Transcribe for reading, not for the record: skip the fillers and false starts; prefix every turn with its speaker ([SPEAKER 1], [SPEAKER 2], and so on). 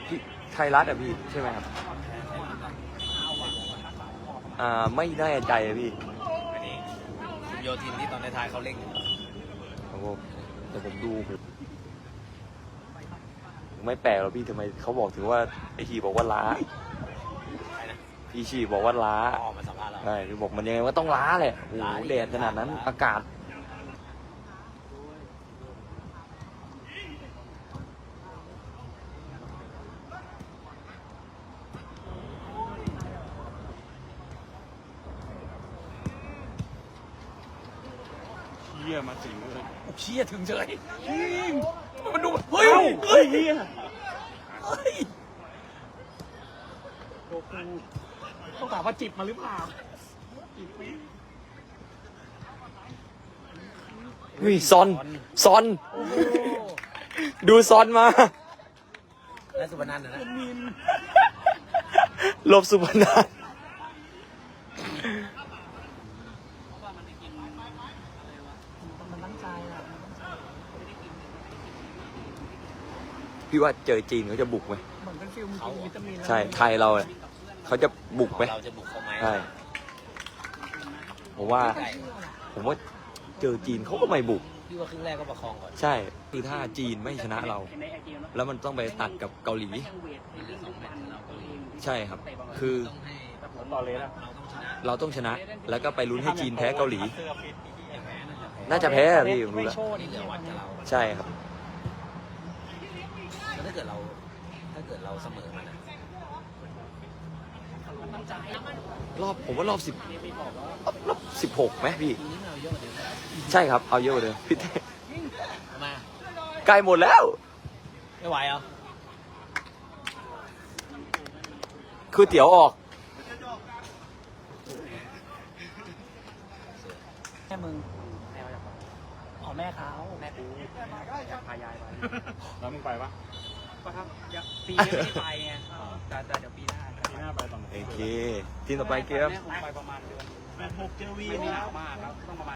[SPEAKER 1] พี่ไทยรัฐอ่ะพี่ใช่ไหมครับไม่แน่ใจอะพี่
[SPEAKER 2] อันนี้คุณโยทินที่ตอนในท้ายเขาเล่น
[SPEAKER 1] ครับผมแต่ผมดูไม่แปลกหรอกพี่ทำไมเขาบอกถึงว่าไอชีบอกว่าล้าพี่ชีบอกว่าล้า
[SPEAKER 2] มาสัมภาษณ์เรา
[SPEAKER 1] ใช่พี่บอกมันยังไงก็ต้องล้าแหละโอ้โหแดดขนาดนั้นอากาศ
[SPEAKER 3] เชี่ยมาถึงเลย
[SPEAKER 2] เชี่ยถึงเฉยมันดู
[SPEAKER 3] เฮ้ยเฮ้ยเฮีย
[SPEAKER 2] เฮ้ย
[SPEAKER 3] โอ้โหต้องถามว่าจิบมาหรือเปล่าจิบไหม
[SPEAKER 1] วิซอนดูซอนมา
[SPEAKER 2] และสุวรรณันท์นะ
[SPEAKER 1] ลบสุพรรณ
[SPEAKER 3] มันตั้งใจอ่ะ
[SPEAKER 1] พี่ว่าเจอจีนเขาจะบุกไหม
[SPEAKER 3] เหมือนเป็นฟิลมีวิตามิน
[SPEAKER 1] ใช่ไทยเราเนี่ยเขาจะบุกไหม
[SPEAKER 2] เราจะบุกเขาไหม
[SPEAKER 1] ใช่ผมว่าเจอจีนเขาก็ไม่บุก
[SPEAKER 2] พี่ว่าครึ่งแรกก็ประคองก่อน
[SPEAKER 1] ใช่คือถ้าจีนไม่ชนะเรา แล้วมันต้องไปตัดกับเกาหลี ใช่ครับ คือ
[SPEAKER 2] ต้องให้
[SPEAKER 3] ต่อเลยนะ
[SPEAKER 2] เราต้องชนะ
[SPEAKER 1] เราต้องชนะ แล้วก็ไปลุ้นให้จีนแพ้เกาหลี
[SPEAKER 3] เสื้อฟิต
[SPEAKER 1] น่าจะแพ้อะพี่ผมรู้แล้ว
[SPEAKER 2] ที่เหลือวัดกับเรา
[SPEAKER 1] ใช่ครับ
[SPEAKER 2] แล้วถ้าเกิดเราเสมอมันนะ
[SPEAKER 1] ผมว่ารอบ16ไหมพี่
[SPEAKER 2] ทีนี้เราเยอะกว่าเดิม
[SPEAKER 1] ใช่ครับ เอาเยอะกว่าเดิมพี่เต้
[SPEAKER 2] มา
[SPEAKER 1] ใกล้หมดแล้ว
[SPEAKER 2] ไม่ไหวเหรอ
[SPEAKER 1] คือเตี๋ยวออก
[SPEAKER 3] แม่มึงอ๋อแม่เขาแม่กูพายายไปแล้วมึงไปปะก็ครับปีนี้ไม่ได้ไปไงแต่เดี๋ยวปีหน้าไปตอนไหน
[SPEAKER 1] โอเค ทีมต่อไปเกม
[SPEAKER 3] ไปประมาณเดือน6เจอวีนี่หนาวมากครับต้องประมาณ